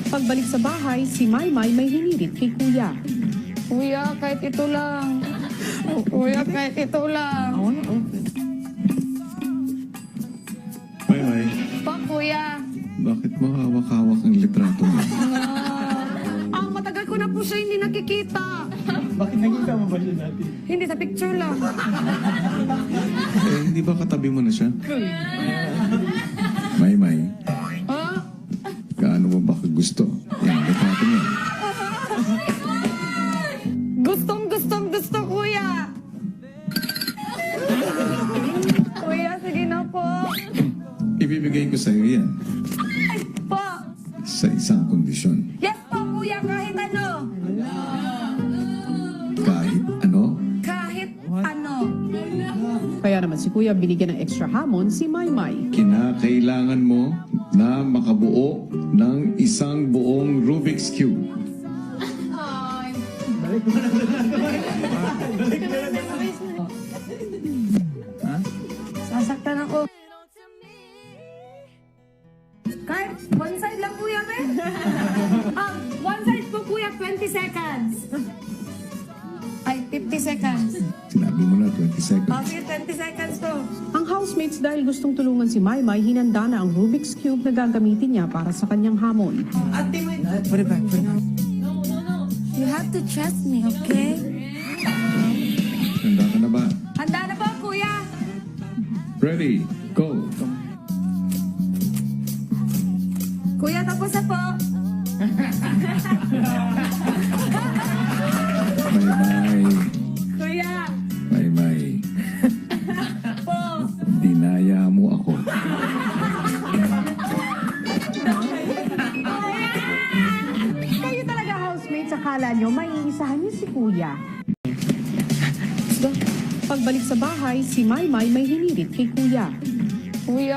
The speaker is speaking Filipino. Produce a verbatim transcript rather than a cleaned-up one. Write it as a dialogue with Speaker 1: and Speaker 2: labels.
Speaker 1: Pagbalik sa bahay, si Maymay may hinirit kay Kuya.
Speaker 2: Kuya, kahit ito lang. Kuya, kahit ito lang.
Speaker 3: Maymay,
Speaker 2: Pa, kuya.
Speaker 3: bakit mo hawak-hawak ang litrato mo?
Speaker 2: Ah, matagal ko na po siya hindi nakikita.
Speaker 4: Bakit nakita mo ba siya dati?
Speaker 2: Hindi, sa picture lang.
Speaker 3: Eh, hindi ba katabi mo na siya? Maymay,
Speaker 2: Ha?
Speaker 3: gaano mo ba gusto? Yan, litrato mo.
Speaker 2: Gustong, gustong, gusto, kuya. Kuya, sige na po.
Speaker 3: Ibibigay ko sa iyo yan
Speaker 2: Po.
Speaker 3: sa isang kondisyon.
Speaker 2: Yes po, kuya, kahit ano.
Speaker 3: Kahit ano,
Speaker 2: Kahit ano.
Speaker 1: Kaya naman si Kuya binigyan ng extra hamon si Maymay.
Speaker 3: kinakailangan mo na makabuo ng isang buong Rubik's Cube.
Speaker 2: Sasaktan ako. Kahit one side lang, kuya, be. um, one side po, kuya, twenty seconds. Ay, fifty seconds.
Speaker 3: Sinabi mo na twenty seconds.
Speaker 2: Okay, twenty seconds po.
Speaker 1: Ang housemates dahil gustong tulungan si Maymay, hinanda na ang Rubik's Cube na gagamitin niya para sa kanyang hamon.
Speaker 4: Put it back, put it back.
Speaker 2: You have to trust me, okay?
Speaker 3: Handa ka na ba?
Speaker 2: Handa na po, kuya.
Speaker 3: Ready, go!
Speaker 2: Kuya, tapos na po.
Speaker 3: Maymay,
Speaker 2: Kuya,
Speaker 3: Maymay,
Speaker 2: po.
Speaker 3: dinaya mo ako.
Speaker 1: Kayo talaga housemates, akala nyo maiisahan niyo si Kuya. Pagbalik sa bahay, si Maymay may hinirit kay Kuya.
Speaker 2: Kuya,